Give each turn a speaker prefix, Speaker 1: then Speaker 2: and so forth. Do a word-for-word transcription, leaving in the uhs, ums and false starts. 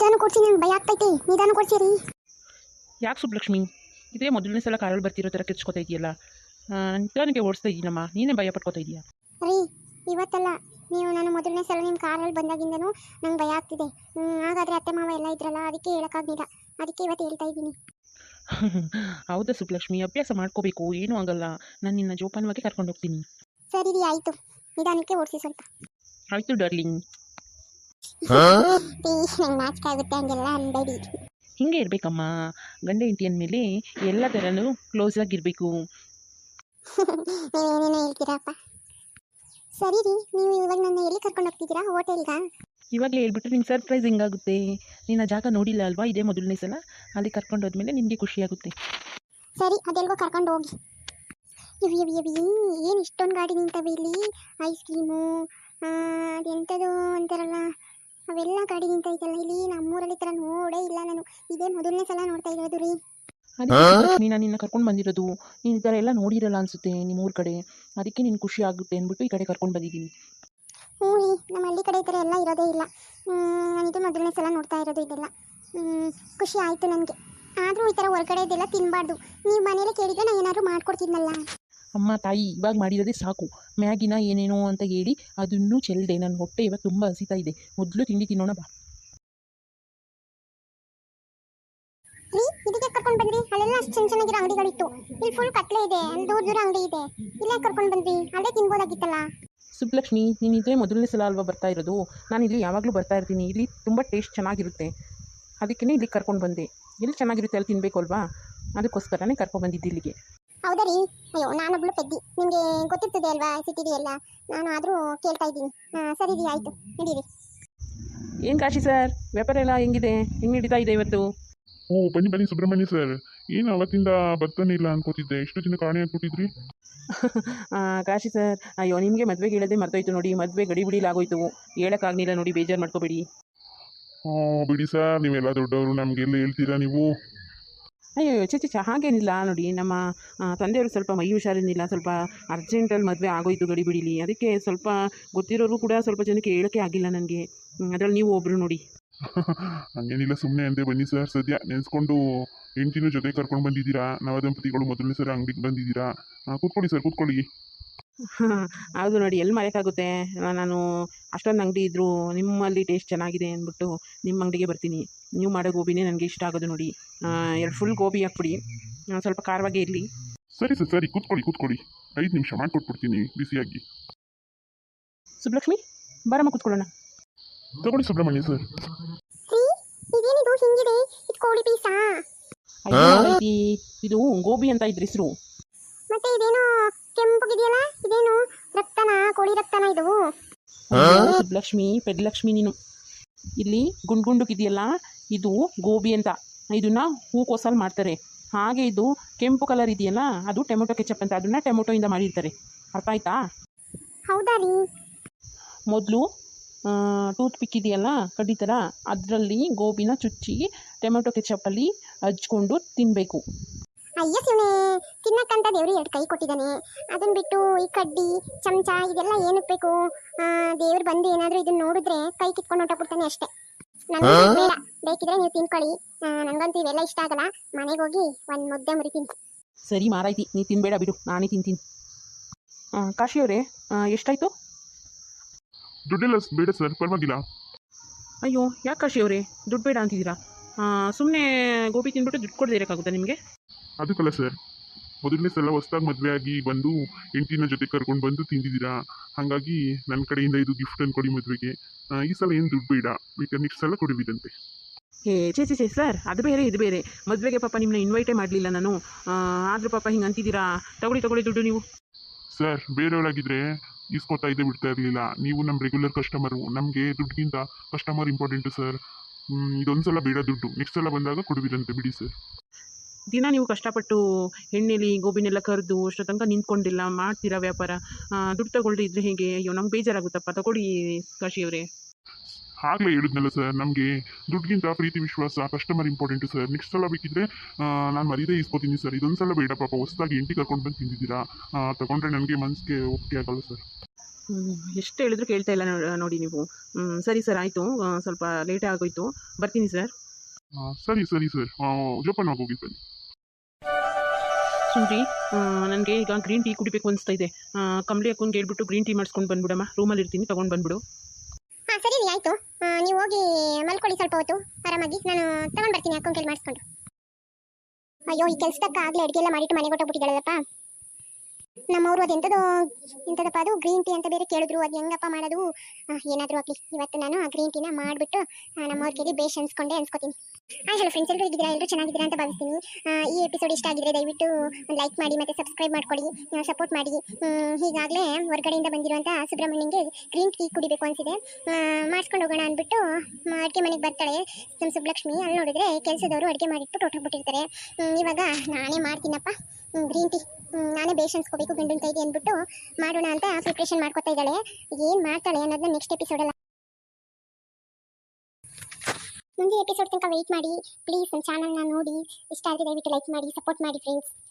Speaker 1: ನಿಧಾನ ಕೊಡ್ಸಿ, ನಂಗೆ ಭಯ ಆಗ್ತೈತೆ. ನಿಧಾನ ಕೊಡ್ಸಿರಿ.
Speaker 2: ಯಾಕೆ ಸುಬ್ಲಕ್ಷ್ಮಿ, ಇದೇ ಮೊದಲನೇ ಸಲ ಕಾರಲ್ಲಿ ಬರ್ತಿರೋ ಥರ ಕಿರ್ಚ್ಕೊತಾ ಇದೆಯಲ್ಲ? ನಿಧಾನಕ್ಕೆ ಓಡಿಸ್ತಾ ಇದ್ದೀನಮ್ಮ, ನೀನೇ ಭಯ ಪಡ್ಕೊತಾ ಇದೀಯಾ?
Speaker 1: ರೀ, ಇವತ್ತಲ್ಲ, ನೀವು ನಾನು ಮೊದಲನೇ ಸಲ ನಿಮ್ಮ ಕಾರಲ್ಲಿ ಬಂದಾಗಿಂದನೂ ನಂಗೆ ಭಯ ಆಗ್ತಿದೆ. ಹಾಗಾದರೆ ಅತ್ತೆ ಮಾವ ಎಲ್ಲ ಇದ್ರಲ್ಲ, ಅದಕ್ಕೆ ಹೇಳೋಕ್ಕಾಗಲಿಲ್ಲ. ಅದಕ್ಕೆ ಇವತ್ತು ಹೇಳ್ತಾ ಇದ್ದೀನಿ.
Speaker 2: ಹೌದಾ ಸುಬ್ಲಕ್ಷ್ಮಿ, ಅಭ್ಯಾಸ ಮಾಡ್ಕೋಬೇಕು, ಏನೂ ಆಗಲ್ಲ. ನಾನು ನಿನ್ನ ಜೋಪಾನವಾಗಿ ಕರ್ಕೊಂಡು ಹೋಗ್ತೀನಿ.
Speaker 1: ಸರಿ ರೀ, ಆಯಿತು. ನಿಧಾನಕ್ಕೆ ಓಡಿಸಿ ಸ್ವಲ್ಪ.
Speaker 2: ಆಯಿತು ಡಾರ್ಲಿಂಗ್.
Speaker 1: ನಂಗೆ ನಾಚಿಕೆ ಆಗುತ್ತೆ ಹಂಗೆಲ್ಲ ಅನ್ಬೇಡಿ.
Speaker 2: ಹಿಂಗೆ ಇರಬೇಕಮ್ಮ, ಗಂಡ ಹೆಂಡತಿ ಅಂದಮೇಲೆ ಎಲ್ಲ ಥರನೂ ಕ್ಲೋಸ್ ಆಗಿರಬೇಕು.
Speaker 1: ನೀವೇನೇನೋ ಹೇಳ್ತೀರಪ್ಪ. ಸರಿ ರೀ, ನೀವು ಇವಾಗ ನನ್ನ ಎಲ್ಲಿ ಕರ್ಕೊಂಡು ಹೋಗ್ತಿದ್ದೀರಾ? ಹೋಟೆಲ್ಗಾ?
Speaker 2: ಇವಾಗಲೇ ಹೇಳ್ಬಿಟ್ರೆ ನಿಂಗೆ ಸರ್ಪ್ರೈಸ್ ಹಿಂಗಾಗುತ್ತೆ. ನೀನು ಆ ಜಾಗ ನೋಡಿಲ್ಲ ಅಲ್ವಾ, ಇದೇ ಮೊದಲನೇ ಸಲ. ಅಲ್ಲಿ ಕರ್ಕೊಂಡು ಹೋದ್ಮೇಲೆ ನಿಮಗೆ ಖುಷಿಯಾಗುತ್ತೆ. ಸರಿ,
Speaker 1: ಅದೆಲ್ಗೋ ಕರ್ಕೊಂಡು ಹೋಗಿ. ಇವು ಇವು ಇವು ಏನು ಇಷ್ಟೊಂದು ಗಾಡಿ ನಿಂತವೆ ಇಲ್ಲಿ? ಐಸ್ ಕ್ರೀಮು, ಅದೆಂಥದ್ದು ಅಂತಾರಲ್ಲ, ಅವೆಲ್ಲ ಗಾಡಿ ನಿಂತೈತಲ್ಲ ಇಲ್ಲಿ. ನಮ್ಮೂರಲ್ಲಿ ಥರ ನೋಡೇ ಇಲ್ಲ ನಾನು. ಇದೇ ಮೊದಲನೇ ಸಲ ನೋಡ್ತಾ ಇರೋದು ರೀ.
Speaker 2: ಅದಕ್ಕೆ ನಾನು ನಿನ್ನ ಕರ್ಕೊಂಡು ಬಂದಿರೋದು. ನೀನು ಈ ಥರ ಎಲ್ಲ ನೋಡಿರಲ್ಲ ಅನಿಸುತ್ತೆ ನಿಮ್ಮೂರ ಕಡೆ. ಅದಕ್ಕೆ ನಿನ್ನ ಖುಷಿ ಆಗುತ್ತೆ ಅಂದ್ಬಿಟ್ಟು ಈ ಕಡೆ ಕರ್ಕೊಂಡು ಬಂದಿದ್ದೀನಿ.
Speaker 1: ಹ್ಞೂ ರೀ, ನಮ್ಮ ಹಳ್ಳಿ ಕಡೆ ಈ ಥರ ಎಲ್ಲ ಇರೋದೇ ಇಲ್ಲ. ನಾನಿದು ಮೊದಲನೇ ಸಲ ನೋಡ್ತಾ ಇರೋದು ಇದೆಲ್ಲ. ಖುಷಿ ಆಯಿತು ನನಗೆ. ಆದರೂ ಈ ಥರ ಹೊರಗಡೆ ಇದೆಲ್ಲ ತಿನ್ನಬಾರ್ದು. ನೀವು ಮನೇಲಿ ಕೇಳಿದರೆ ನಾನು ಏನಾದರೂ ಮಾಡ್ಕೊಡ್ತಿದ್ನಲ್ಲ.
Speaker 2: ಅಮ್ಮ ತಾಯಿ, ಇವಾಗ ಮಾಡಿರೋದೇ ಸಾಕು. ಮ್ಯಾಗಿನ ಏನೇನೋ ಅಂತ ಹೇಳಿ ಅದನ್ನೂ ಚೆಲ್ಲದೆ ನನ್ನ ಹೊಟ್ಟೆ ಇವಾಗ ತುಂಬ ಹಸಿತಾ ಇದೆ. ಮೊದಲು ತಿಂಡಿ ತಿನ್ನೋಣ ಬಾ.
Speaker 1: ರೀ, ಇದಕ್ಕೆ ಕರ್ಕೊಂಡು ಬಂದ್ರಿ? ಅಲ್ಲೆಲ್ಲ ಅಷ್ಟು ಚೆನ್ನ ಚೆನ್ನಾಗಿರೋ ಅಂಗಡಿಗಳಿತ್ತು. ಇಲ್ಲಿ ಫುಲ್ ಕತ್ಲೆ ಇದೆ, ಅಲ್ಲಿ ದೂರ ದೂರ ಅಂಗಡಿ ಇದೆ. ಇಲ್ಲೇ ಕರ್ಕೊಂಡು ಬಂದ್ರಿ? ಅಲ್ಲೇ ತಿನ್ಬೋದಾಗಿತ್ತಲ್ಲ.
Speaker 2: ಸುಬ್ಲಕ್ಷ್ಮಿ, ನೀನು ಇದೇ ಮೊದಲನೇ ಸಲ ಅಲ್ವಾ ಬರ್ತಾ ಇರೋದು? ನಾನು ಇಲ್ಲಿ ಯಾವಾಗಲೂ ಬರ್ತಾ ಇರ್ತೀನಿ. ಇಲ್ಲಿ ತುಂಬ ಟೇಸ್ಟ್ ಚೆನ್ನಾಗಿರುತ್ತೆ. ಅದಕ್ಕೇ ಇಲ್ಲಿಗೆ ಕರ್ಕೊಂಡು ಬಂದೆ. ಎಲ್ಲಿ ಚೆನ್ನಾಗಿರುತ್ತೆ ಅಲ್ಲಿ ತಿನ್ನಬೇಕು ಅಲ್ವಾ, ಅದಕ್ಕೋಸ್ಕರನೇ ಕರ್ಕೊಂಡು ಬಂದಿದ್ದು ಇಲ್ಲಿಗೆ.
Speaker 1: ಹೌದಾ ರೀ? ಅಯ್ಯೋ, ನಾನೊಬ್ಳು ಪೆದ್ದಿ, ನಿಮಗೆ ಗೊತ್ತಿರ್ತದೆ ಅಲ್ವಾ ಸಿಟಿಡಿ ಎಲ್ಲ. ನಾನು ಆದರೂ ಕೇಳ್ತಾ ಇದ್ದೀನಿ. ಸರಿ ರೀ, ಆಯಿತು, ನಡೀರಿ.
Speaker 2: ಏನು ಕಾಶಿ ಸರ್, ವ್ಯಾಪಾರ ಎಲ್ಲ ಹೆಂಗಿದೆ? ಹೆಂಗೆ ನಡೀತಾ ಇದೆ ಇವತ್ತು?
Speaker 3: ಓ, ಬನ್ನಿ ಬನ್ನಿ ಸುಬ್ರಹ್ಮಣ್ಯ ಸರ್. ಏನು ಅವತ್ತಿಂದ ಬರ್ತಾನೆ ಇಲ್ಲ ಅನ್ಕೋತಿದ್ದೆ. ಎಷ್ಟು ದಿನ ಕಾಣೆ ಹಾಕ್ಬಿಟ್ಟಿದ್ರಿ?
Speaker 2: ಕಾಶಿ ಸರ್, ಅಯ್ಯೋ ನಿಮಗೆ ಮದುವೆಗೆ ಹೇಳೋದೇ ಮರ್ತೋಯ್ತು ನೋಡಿ. ಮದುವೆ ಗಡಿ ಬಿಡಿಲಾಗೋಯ್ತು, ಹೇಳೋಕ್ಕಾಗಲಿಲ್ಲ ನೋಡಿ. ಬೇಜಾರು ಮಾಡ್ಕೋಬೇಡಿ.
Speaker 3: ಹಾಂ ಬಿಡಿ ಸರ್, ನೀವೆಲ್ಲ ದೊಡ್ಡವರು, ನಮಗೆಲ್ಲ ಹೇಳ್ತೀರಾ ನೀವು?
Speaker 2: ಅಯ್ಯೋ ಚೆ ಚೆ ಹಾಗೇನಿಲ್ಲ ನೋಡಿ. ನಮ್ಮ ತಂದೆಯವರು ಸ್ವಲ್ಪ ಮೈ ಹುಷಾರೇನಿಲ್ಲ, ಸ್ವಲ್ಪ ಅರ್ಜೆಂಟಲ್ಲಿ ಮದುವೆ ಆಗೋಯ್ತು ಗಡಿ ಬಿಡಿಲಿ. ಅದಕ್ಕೆ ಸ್ವಲ್ಪ ಗೊತ್ತಿರೋರು ಕೂಡ ಸ್ವಲ್ಪ ಜನಕ್ಕೆ ಹೇಳೋಕ್ಕೆ ಆಗಿಲ್ಲ ನನಗೆ. ಅದರಲ್ಲಿ ನೀವು ಒಬ್ಬರು ನೋಡಿ.
Speaker 3: ಹಂಗೇನಿಲ್ಲ, ಸುಮ್ಮನೆ ಅಂದೆ. ಬನ್ನಿ ಸರ್, ಸದ್ಯ ನೆನೆಸ್ಕೊಂಡು ಹೆಂಡ್ತಿನ ಜೊತೆ ಕರ್ಕೊಂಡು ಬಂದಿದ್ದೀರಾ. ನವದಂಪತಿಗಳು ಮೊದಲನೇ ಸಲ ಅಂಗಡಿಗೆ ಬಂದಿದ್ದೀರಾ. ಕೂತ್ಕೊಳ್ಳಿ ಸರ್, ಕೂತ್ಕೊಳ್ಳಿ.
Speaker 2: ಹಾಂ ಹೌದು ನೋಡಿ, ಎಲ್ಲಿ ಮರೆಯೋಕ್ಕಾಗುತ್ತೆ. ನಾನು ಅಷ್ಟೊಂದು ಅಂಗಡಿ ಇದ್ದರೂ ನಿಮ್ಮಲ್ಲಿ ಟೇಸ್ಟ್ ಚೆನ್ನಾಗಿದೆ ಅಂದ್ಬಿಟ್ಟು ನಿಮ್ಮ ಅಂಗಡಿಗೆ ಬರ್ತೀನಿ. ನೀವು ಮಾಡೋ ಗೋಬಿನೇ ನನಗೆ ಇಷ್ಟ ಆಗೋದು ನೋಡಿ. ಎರಡು ಫುಲ್ ಗೋಬಿ ಹಾಕ್ಬಿಡಿ, ಸ್ವಲ್ಪ ಖಾರವಾಗೇ ಇರಲಿ.
Speaker 3: ಸರಿ ಸರ್, ಸರಿ, ಕೂತ್ಕೊಳ್ಳಿ ಕೂತ್ಕೊಳ್ಳಿ. ಐದು ನಿಮಿಷ ಮಾಡಿಕೊಟ್ಬಿಡ್ತೀನಿ ಬಿಸಿಯಾಗಿ.
Speaker 2: ಸುಬ್ಲಕ್ಷ್ಮಿ, ಬಾರಮ್ಮ ಕೂತ್ಕೊಳ್ಳೋಣ.
Speaker 3: ತಗೊಳ್ಳಿ ಸುಬ್ರಹ್ಮಣ್ಯ ಸರ್.
Speaker 1: ಇದೇನಿದು ಹಿಂಗಿದೆ? ಇದು ಕೋಳಿ ಪೀಸಾ?
Speaker 2: ಇದು ಗೋಬಿ ಅಂತ ಇದ್ರ ಹೆಸರು.
Speaker 1: ಮತ್ತೆ ಇದೇನೋ ಕೆಂಪುಗಿದೆಯಲ್ಲ, ಇದೇನು ರಕ್ತನ? ಕೋಳಿ ರಕ್ತನ ಇದು?
Speaker 2: ಸುಬ್ಲಕ್ಷ್ಮಿ, ಪೆದ್ಲಕ್ಷ್ಮಿ ನೀನು. ಇಲ್ಲಿ ಗುಂಡು ಗುಂಡುಗಿದೆಯಲ್ಲ, ಇದು ಗೋಬಿ ಅಂತ. ಇದನ್ನ ಹೂಕೋಸಲ್ಲಿ ಮಾಡ್ತಾರೆ. ಹಾಗೆ ಇದು ಕೆಂಪು ಕಲರ್ ಇದೆಯಲ್ಲ, ಅದು ಟೊಮೆಟೊ ಕೆಚಪ್ ಅಂತ. ಅದನ್ನ ಟೊಮೆಟೊಯಿಂದ ಮಾಡಿರ್ತಾರೆ. ಅರ್ಥ ಆಯ್ತಾ?
Speaker 1: ಹೌದಾ ರೀ? ಮೊದಲು
Speaker 2: ಟೂತ್ ಪಿಕ್ ಇದೆಯಲ್ಲ, ಕಡ್ಡಿ ಥರ, ಅದರಲ್ಲಿ ಗೋಬಿನ ಚುಚ್ಚಿ ಟೊಮೆಟೊ ಕೆಚಪ್ಪಲ್ಲಿ ಹಚ್ಕೊಂಡು ತಿನ್ನಬೇಕು.
Speaker 1: ಅಯ್ಯ ಶಿವನೇ, ತಿನ್ನಕ್ಕಂತ ದೇವ್ರು ಎರಡು ಕೈ ಕೊಟ್ಟಿದ್ದಾನೆ. ಅದನ್ನ ಬಿಟ್ಟು ಈ ಕಡ್ಡಿ ಚಮಚ ಇದೆಲ್ಲ ಏನಕ್ಕೆ ಬೇಕು? ದೇವ್ರು ಬಂದು ಏನಾದರೂ ಇದನ್ನ ನೋಡಿದ್ರೆ ಕೈ ಕಿತ್ಕೊಂಡು ಹೊಂಟೋಗ್ಬಿಡ್ತಾನೆ ಅಷ್ಟೇ. ನನಗೆ ಬೇಡ, ಬೇಕಿದ್ರೆ ನೀವು ತಿನ್ಕೊಳ್ಳಿ. ನನಗಂತೂ ಇವೆಲ್ಲ ಇಷ್ಟ ಆಗಲ್ಲ. ಮನೆಗೆ ಹೋಗಿ ಒಂದು ಮುದ್ದೆ ಮುರಿತೀನಿ.
Speaker 2: ಸರಿ ಮಾರಾಯ್ತಿ, ನೀ ತಿನ್ಬೇಡ ಬಿಡು, ನಾನೇ ತಿಂತೀನಿ. ಕಾಶಿಯವರೇ, ಎಷ್ಟಾಯಿತು?
Speaker 3: ದುಡ್ಡೆಲ್ಲ ಬೇಡ ಸರ್, ಪರವಾಗಿಲ್ಲ.
Speaker 2: ಅಯ್ಯೋ ಯಾಕೆ ಕಾಶಿಯವರೇ ದುಡ್ಡು ಬೇಡ ಅಂತಿದ್ದೀರಾ? ಸುಮ್ಮನೆ ಗೋಬಿ ತಿನ್ಬಿಟ್ಟು ದುಡ್ಡು ಕೊಡದೇ ಇರೋಕ್ಕಾಗುತ್ತಾ ನಿಮಗೆ?
Speaker 3: ಅದಕ್ಕಲ್ಲ ಸರ್, ಮೊದಲನೇ ಸಲ ಹೊಸ್ದಾಗಿ ಮದುವೆ ಆಗಿ ಬಂದು ಹೆಂಡ್ತಿನ ಜೊತೆ ಕರ್ಕೊಂಡು ಬಂದು ತಿಂದಿದ್ದೀರಾ. ಹಾಗಾಗಿ ನನ್ನ ಕಡೆಯಿಂದ ಇದು ಗಿಫ್ಟ್ ಅಂದ್ಕೊಡಿ ಮದುವೆಗೆ. ಈ ಸಲ ಏನು ದುಡ್ಡು ಬೇಡ, ಬೇಕಾದ್ರೆ ನೆಕ್ಸ್ಟ್ ಸಲ ಕೊಡುವಿದಂತೆ.
Speaker 2: ಏ ಚೇ ಚೇ ಸರ್, ಅದು ಬೇರೆ ಇದು ಬೇರೆ. ಮದುವೆಗೆ ಪಾಪ ನಿಮ್ಮನ್ನ ಇನ್ವೈಟೇ ಮಾಡಲಿಲ್ಲ ನಾನು. ಆದರೂ ಪಾಪ ಹಿಂಗೆ ಅಂತಿದ್ದೀರಾ. ತಗೊಳ್ಳಿ ತಗೊಳ್ಳಿ ದುಡ್ಡು ನೀವು.
Speaker 3: ಸರ್, ಬೇರೆಯವರಾಗಿದ್ದರೆ ಇಸ್ಕೊತಾ ಇದ್ದೇ ಬಿಡ್ತಾ ಇರಲಿಲ್ಲ. ನೀವು ನಮ್ಮ ರೆಗ್ಯುಲರ್ ಕಸ್ಟಮರು, ನಮಗೆ ದುಡ್ಡಿಗಿಂತ ಕಸ್ಟಮರ್ ಇಂಪಾರ್ಟೆಂಟು ಸರ್. ಇದೊಂದು ಸಲ ಬೇಡ ದುಡ್ಡು, ನೆಕ್ಸ್ಟ್ ಸಲ ಬಂದಾಗ ಕೊಡುವಿರಂತೆ ಬಿಡಿ ಸರ್.
Speaker 2: ದಿನ ನೀವು ಕಷ್ಟಪಟ್ಟು ಎಣ್ಣೆಲಿ ಗೋಬಿನೆಲ್ಲ ಕರೆದು ಅಷ್ಟು ತನಕ ನಿಂತ್ಕೊಂಡಿಲ್ಲ ಮಾಡ್ತೀರಾ ವ್ಯಾಪಾರ. ದುಡ್ಡು ತಗೊಳ್ಳಿ ಇದ್ರೆ ಹೇಗೆ? ಅಯ್ಯೋ ನಮ್ಗೆ ಬೇಜಾರಾಗುತ್ತಪ್ಪ. ತಗೊಳ್ಳಿ ಕಾಶಿಯವರೇ.
Speaker 3: ಆಗಲೇ ಹೇಳಿದ್ನಲ್ಲ ಸರ್, ನಮಗೆ ದುಡ್ಡಿಗಿಂತ ಪ್ರೀತಿ ವಿಶ್ವಾಸ, ಕಸ್ಟಮರ್ ಇಂಪಾರ್ಟೆಂಟು ಸರ್. ನೆಕ್ಸ್ಟ್ ಸಲ ಬೇಕಿದ್ರೆ ನಾನು ಮರೀದೇ ಇಸ್ಕೊತೀನಿ ಸರ್. ಇದೊಂದು ಸಲ ಬೇಡ, ಪಾಪ ಹೊಸದಾಗಿ ಎಂಟಿ ಕರ್ಕೊಂಡು ಬಂದು ತಿಂದಿದ್ದೀರಾ. ತಗೊಂಡ್ರೆ ನನಗೆ ಮನಸ್ಸಿಗೆ ಒಪ್ಪಿಗೆ ಆಗಲ್ಲ ಸರ್.
Speaker 2: ಎಷ್ಟು ಹೇಳಿದ್ರು ಕೇಳ್ತಾ ಇಲ್ಲ ನೋ- ನೋಡಿ ನೀವು. ಹ್ಮ್, ಸರಿ ಸರ್, ಆಯಿತು. ಸ್ವಲ್ಪ ಲೇಟ್ ಆಗೋಯ್ತು, ಬರ್ತೀನಿ ಸರ್.
Speaker 3: ಆ, ಸರಿ ಸರಿ ಸರ್ ಜೋಪಾನ ಹೋಗಿ ಬನ್ನಿ.
Speaker 2: ಸುಮ್ರಿ, ನನಗೆ ಈಗ ಗ್ರೀನ್ ಟೀ ಕುಡಿಬೇಕು ಅನಿಸ್ತಾ ಇದೆ. ಕಂಬ್ಳಿ ಅಕ್ಕಂಗೆ ಹೇಳ್ಬಿಟ್ಟು ಗ್ರೀನ್ ಟೀ ಮಾಡಿಸ್ಕೊಂಡು ಬಂದ್ಬಿಡಮ್ಮ, ರೂಮಲ್ಲಿ ಇರ್ತೀನಿ, ತೊಗೊಂಡು ಬಂದ್ಬಿಡು.
Speaker 1: ಹಾ ಸರಿ ರೀ ಆಯ್ತು. ಆ, ನೀವು ಹೋಗಿ ಮಲ್ಕೊಳ್ಳಿ ಸ್ವಲ್ಪ ಹೊತ್ತು ಆರಾಮಾಗಿ, ನಾನು ತಗೊಂಡ್ ಬರ್ತೀನಿ ಅಕ್ಕನ ಕೈಲಿ ಮಾಡಿಸ್ಕೊಂಡು. ಅಯ್ಯೋ ಈ ಕೆಲ್ಸದಕ್ಕ ಆಗ್ಲೇ ಅಡುಗೆ ಎಲ್ಲ ಮಾಡಿಟ್ಟು ಮನೆಗೆ ಹೊಟ್ಟೋಗ್ಬಿಟ್ಟಿದ್ದಾಳಲ್ಲಪ್ಪ. ನಮ್ಮವ್ರು ಅದು ಎಂಥದೋ ಎಂಥದಪ್ಪ ಅದು ಗ್ರೀನ್ ಟೀ ಅಂತ ಬೇರೆ ಕೇಳಿದ್ರು. ಅದು ಹೆಂಗಪ್ಪ ಮಾಡೋದು? ಆ, ಏನಾದರೂ ಆಗಲಿ ಇವತ್ತು ನಾನು ಆ ಗ್ರೀನ್ ಟೀನ ಮಾಡಿಬಿಟ್ಟು ನಮ್ಮವ್ರ ಕೈಲಿ ಬೇಷ್ ಅನ್ಸ್ಕೊಂಡೆ ಅನ್ಸ್ಕೊತೀನಿ. ಹಾಯ್ ಹಲೋ ಫ್ರೆಂಡ್ಸ್, ಎಲ್ಲರೂ ಇದ್ದೀರಾ? ಎಲ್ಲರೂ ಚೆನ್ನಾಗಿದ್ದೀರಾ ಅಂತ ಭಾವಿಸ್ತೀನಿ. ಆ, ಈ ಎಪಿಸೋಡ್ ಇಷ್ಟ ಆಗಿದ್ರೆ ದಯವಿಟ್ಟು ಒಂದು ಲೈಕ್ ಮಾಡಿ ಮತ್ತು ಸಬ್ಸ್ಕ್ರೈಬ್ ಮಾಡ್ಕೊಳ್ಳಿ, ಸಪೋರ್ಟ್ ಮಾಡಿ. ಹೀಗಾಗಲೇ ಹೊರಗಡೆಯಿಂದ ಬಂದಿರುವಂಥ ಸುಬ್ರಹ್ಮಣ್ಯಂಗೆ ಗ್ರೀನ್ ಟೀ ಕುಡಿಬೇಕು ಅನಿಸಿದೆ, ಮಾಡಿಸ್ಕೊಂಡು ಹೋಗೋಣ ಅಂದ್ಬಿಟ್ಟು ಅಡುಗೆ ಮನೆಗೆ ಬರ್ತಾಳೆ ನಮ್ಮ ಸುಬ್ಲಕ್ಷ್ಮಿ. ಅಲ್ಲಿ ನೋಡಿದ್ರೆ ಕೆಲಸದವರು ಅಡುಗೆ ಮಾಡಿಟ್ಬಿಟ್ಟು ಹೊಟ್ಟೋಗ್ಬಿಟ್ಟಿರ್ತಾರೆ. ಇವಾಗ ನಾನೇ ಮಾಡ್ತೀನಪ್ಪ ಗ್ರೀನ್ ಟೀ, ನಾನೇ ಬೇಷ್ ಅನ್ಸ್ಕೋಬೇಕು ಗಂಡನ ಕೈಗೆ ಅಂದ್ಬಿಟ್ಟು ಮಾಡೋಣ ಅಂತ ಪ್ರಿಪ್ರೇಷನ್ ಮಾಡ್ಕೊತಾ ಇದ್ದಾಳೆ. ಏನು ಮಾಡ್ತಾಳೆ ಅನ್ನೋದನ್ನ ನೆಕ್ಸ್ಟ್ ಎಪಿಸೋಡಲ್ಲ ಮುಂದಿನ ಎಪಿಸೋಡ್ ತನಕ ವೆಯ್ಟ್ ಮಾಡಿ ಪ್ಲೀಸ್. ನನ್ನ ಚಾನಲ್ನ ನೋಡಿ ಇಷ್ಟ ಆದರೆ ದಯವಿಟ್ಟು ಲೈಕ್ ಮಾಡಿ, ಸಪೋರ್ಟ್ ಮಾಡಿ ಫ್ರೆಂಡ್ಸ್.